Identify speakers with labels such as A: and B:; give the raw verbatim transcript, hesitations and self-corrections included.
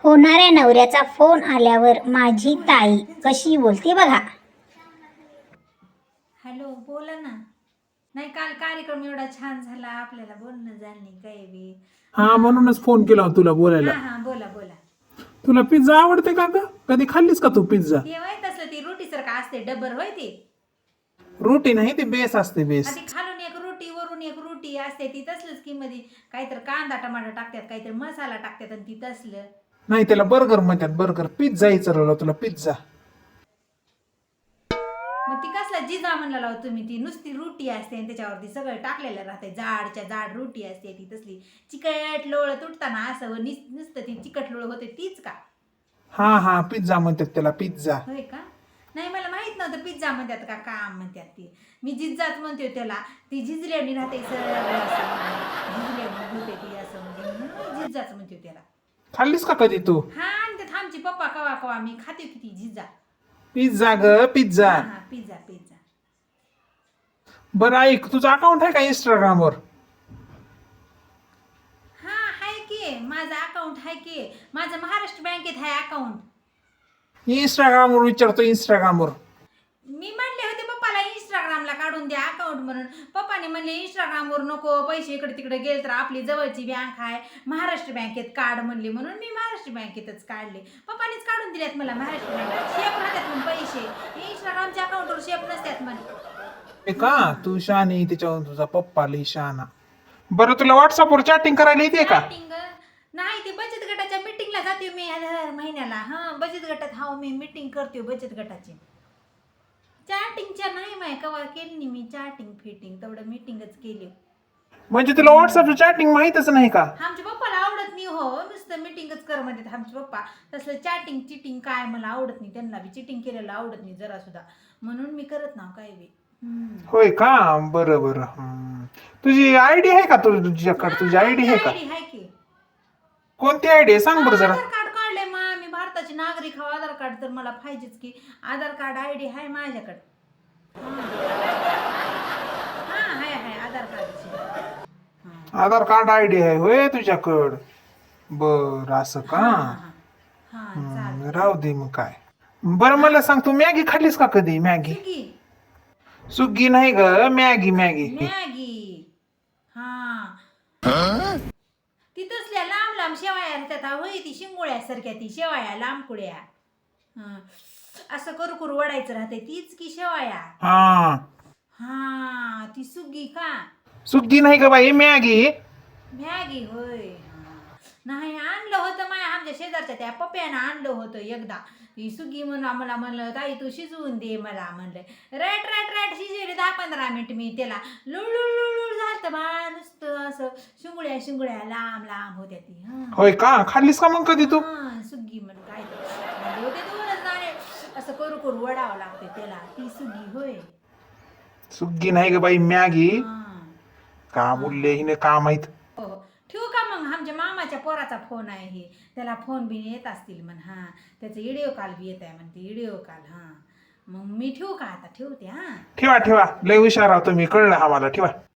A: होणाऱ्या नवऱ्याचा फोन आल्यावर माझी ताई कशी बोलते बघा.
B: हॅलो, बोला ना. नाही, काल कार्यक्रम एवढा छान झाला, आपल्याला बोलणं झालं नाही काही बी.
C: हा म्हणूनच फोन केला होता तुला बोलायला.
B: हा हा, बोला बोला.
C: तुला पिझ्झा आवडते का ग? कधी खाल्लीस का तू पिझ्झा?
B: ते माहित असलं ती रोटी सारखं असते, डबर होय ती.
C: रोटी नाही, ती बेस असते बेस.
B: आधी खालून एक रोटी वरून एक रोटी असते, ती तसलंच की मध्ये काहीतरी कांदा टमाटर टाकतात, काहीतरी मसाला टाकतात आणि ती तसलं.
C: नाही त्याला बर्गर म्हणतात, बर्गर. पिझ्झा विचारला तुला, पिझ्झा.
B: मग ती कसला जिजा म्हणला लाव तुम्ही? ती नुसती रोटी असते आणि त्याच्यावरती सगळं टाकलेलं राहते, जाडच्या जाड रोटी असते ती तसली चिकट लोळ तुटताना असं निस- नुसतं ती चिकट लोळ होते तीच का?
C: हा हा, पिझ्झा म्हणतात त्याला, पिझ्झा.
B: होय का? नाही, मला माहित नव्हतं पिझ्झा म्हणतात का काम म्हणतात ती. मी जिज्जाच म्हणते त्याला. ती झिजल्यानी राहते सगळं असं, झिजल्यानी होते ती असं म्हणजे म्हणून मी जिज्जाच म्हणते त्याला.
C: खाल्लीस का कधी तू?
B: हा, आणि ते आमची पप्पा कवा कवा मी खाते किती झिज्जा.
C: पिझ्झा ग, पिझ्झा.
B: हा हा, पिझ्झा पिझ्झा.
C: बरं ऐक, तुझं अकाउंट आहे का इंस्टाग्रामवर?
B: हा, हाय की माझं अकाउंट आहे की. माझं महाराष्ट्र बँकेत आहे अकाउंट.
C: इंस्टाग्रामवर विचारतो, इंस्टाग्रामवर.
B: मी म्हणले होते पप्पाला इंस्टाग्रामला काढून द्या अकाउंट म्हणून. पप्पाने म्हणले इंस्टाग्रामवर नको, पैसे इकडे तिकडे गेले तर आपली जवळची बँक आहे महाराष्ट्र बँकेत काढ म्हणले, म्हणून मी महाराष्ट्र बँकेतच काढले. पप्पानेच काढून दिल्यात मला महाराष्ट्र बँकेत. शेप राहतात म्हणून पैसे, इंस्टाग्रामच्या अकाउंटवर शेप नसतात म्हणे.
C: का तू शहाणी, त्याच्यावर तुझा पप्पा लई शहाणा. बरं तुला व्हॉट्सअपवर चॅटिंग करायला येते का?
B: Chatting नाही, ती बचत गटाच्या मीटिंगला जाते मी दर महिन्याला. हा, बचत गटात हा मी मीटिंग करते बचत गटाची. चॅटिंगच्या नाही माय कवा केली नाही मी चॅटिंग फिटिंग, तेवढं मीटिंगच केली.
C: म्हणजे तुला व्हॉट्सअपचं चॅटिंग माहीतच नाही का?
B: आमच्या पप्पाला आवडत नाही हो, नुसतं मीटिंगच कर म्हणतात आमचे पप्पा. तसलं चॅटिंग चिटिंग काय मला आवडत नाही, त्यांना बी चिटिंग केलेलं आवडत नाही जरा सुद्धा, म्हणून मी करत ना काय बी.
C: होय का? बरं बरं. हम्म. तुझी आयडी आहे का? तुझ- तुझ्याकडे तुझी आयडी आहे का?
B: आयडी आहे की.
C: कोणती आयडी आहे सांग बरं जरा.
B: आधार कार्ड काढले मा मी भारताची नागरिक हा, आधार कार्ड तर मला पाहिजेच की. आधार कार्ड आयडी आहे माझ्याकडे. हा, हाय हाय आधार कार्डची.
C: आधार कार्ड आयडी आहे होय तुझ्याकडं? बर, असं का?
B: हा,
C: हम्म, राहू दे मग काय. बरं मला सांग, तू मॅगी खाल्लीस का कधी? Maggi
B: Swiggy.
C: सुगी नाही ग, मॅगी मॅगी.
B: मॅगी. हा, ती तसल्या लांब लांब शेवाया राहतात होय, ती शिंगोळ्यासारख्या ती शेवाया लांब कुड्या. हं. असं करू करू वडायचं राहते तीच की शेवाया.
C: हा,
B: हा, ती सुगी का?
C: सुगी नाही ग बाई, मॅगी.
B: मॅगी होय. हा. नाही, आणलं होतं माया आमच्या शेजारच्या त्या पप्प्यानं आणलं होतं एकदा. ती सुगी म्हणून आम्हाला म्हणलं ताई तू शिजवून दे मला म्हणलं. रॅट रॅट रॅट शिजवले दहा पंधरा मिनिट मी त्याला. लुळलुळ लुळलुळ झालं बा, नुसतं असं शिंगुळ्या शिंगुळ्या लांब लांब होत्या ती. हा,
C: होय का? खाल्लीस का मग कधी तू?
B: हा, सुगी म्हणून काय ते होते दोनच दाणे, असं करू करू वडावं लागते त्याला, ती सुगी होय.
C: सुगी नाही ग बाई, मॅगी.
B: हा,
C: का बोलले हिने, का माहित.
B: हो हो. ठेवू का मग? आमच्या मामाच्या पोराचा फोन आहे हे, त्याला फोन बी येत असतील म्हण. हा, त्याचं व्हिडिओ कॉल बी येत आहे म्हणते, व्हिडिओ कॉल. हा, मग मी ठेवू का आता? ठेवते. हा,
C: ठेवा ठेवा, लय हुशार आहोत तुम्ही, कळलं आम्हाला. ठेवा.